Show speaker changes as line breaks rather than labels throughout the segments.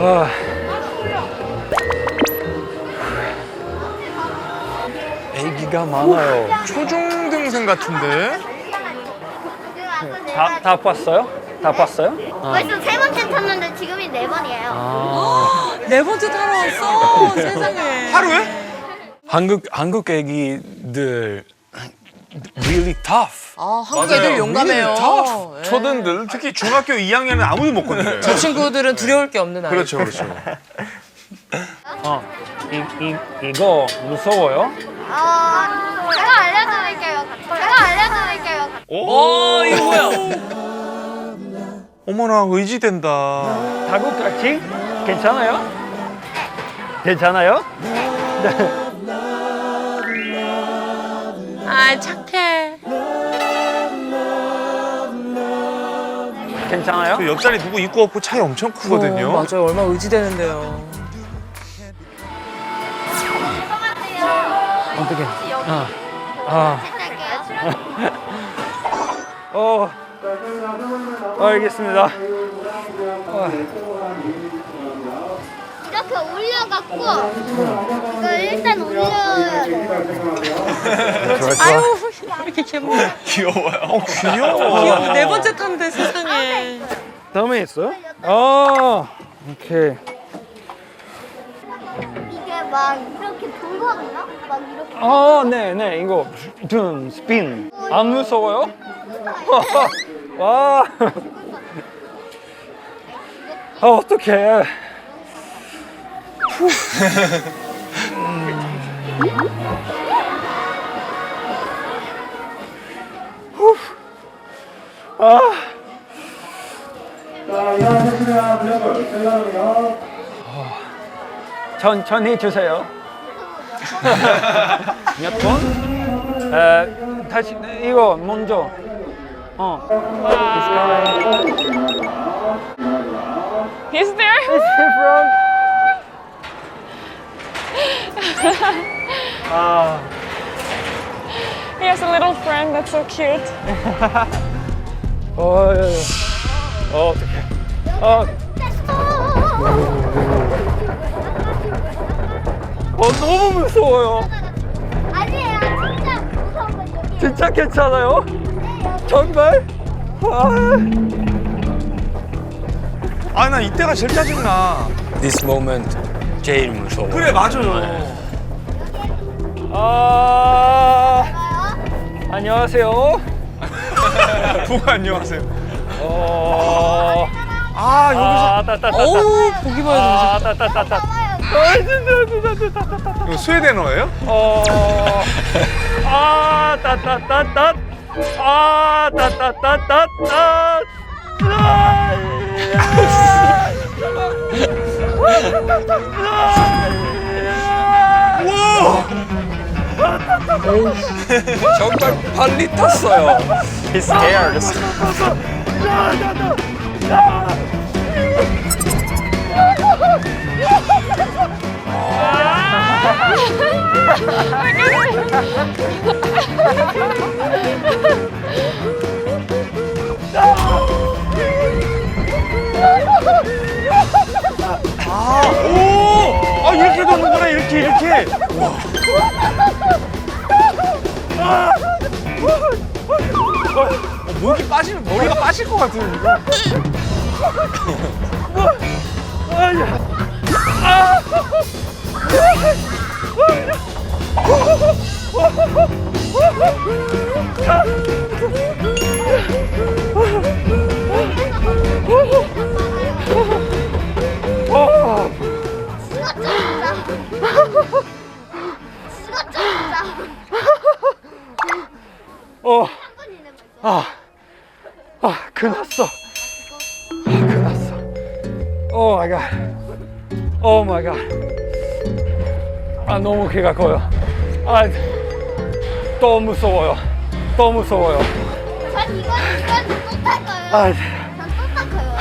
애기가 많아요.
초중등생 같은데?
다 봤어요? 다 봤어요?
벌써 세 번째 탔는데 지금이 네 번이에요.
네 번째 타러 왔어. 세상에.
하루에?
한국 애기들 really tough.
한국 애들 용감해요. 예.
초등들 특히 중학교 2학년은 아무도 못 건드려요.
저 친구들은 두려울 게 없는 아이.
그렇죠, 그렇죠.
이거 무서워요?
제가 알려드릴게요.
이거 뭐야?
어머나 의지된다.
다국같이? 괜찮아요? 괜찮아요?
아, 착해.
괜찮아요?
그 옆자리 누구 있고 없고 차이 엄청 크거든요.
맞아요. 얼마나 의지되는데요.
어떻게? 알겠습니다.
이렇게 올려갖고 이거 일단 올려야 돼.
아유, 이렇게 귀엽네.
귀여워요. 귀여워.
귀여워. 네 번째 탄데 세상에.
다음에 있어요? 오케이.
이게 막 이렇게 돌거든요? 막 이렇게.
네, 이거 스핀. 안 무서워요? 와. 어떡해. 천천히 주세요. 몇 번? 다시 이거 먼저.
He's there? He has a little friend that's so cute.
어떡해. 너무 무서워요.
아니에요. 진짜 무서운 건 여기.
진짜 괜찮아요? 정말?
나 이때가 제일 짜증나.
This moment 제일 무서워.
그래, 맞아요.
안녕하세요.
부가 안녕하세요.
여기서
어우, 보기만 해도
이거 스웨덴어예요?
정말 빨리 탔어요. He's scared.
이렇게 도는구나, 이렇게. 목이 빠지면 머리가 빠질 것 같아요, 이거.
끝났어. 끝났어. 오 마이 갓. 오 마이 갓. 너무 키가 커요. 또 무서워요. 또 무서워요.
전 이건 또 탈 거예요. 전 또 탈 거예요.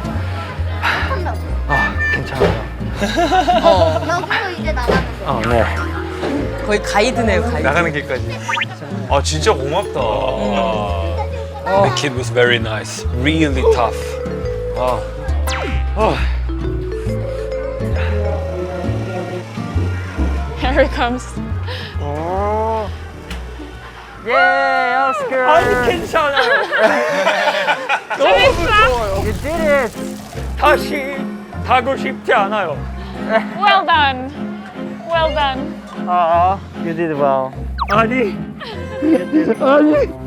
괜찮아요.
여기로 이제 나가면 돼.
네.
거의 가이드네요, 가이드.
나가는 길까지. 진짜 고맙다.
The kid was very nice. Really tough.
Here he comes.
예, 오스카.
아니 괜찮아요. 너무 무서워요.
You did it.
다시 타고 싶지 않아요.
Well done. Well done.
You did well.
아니, 아니.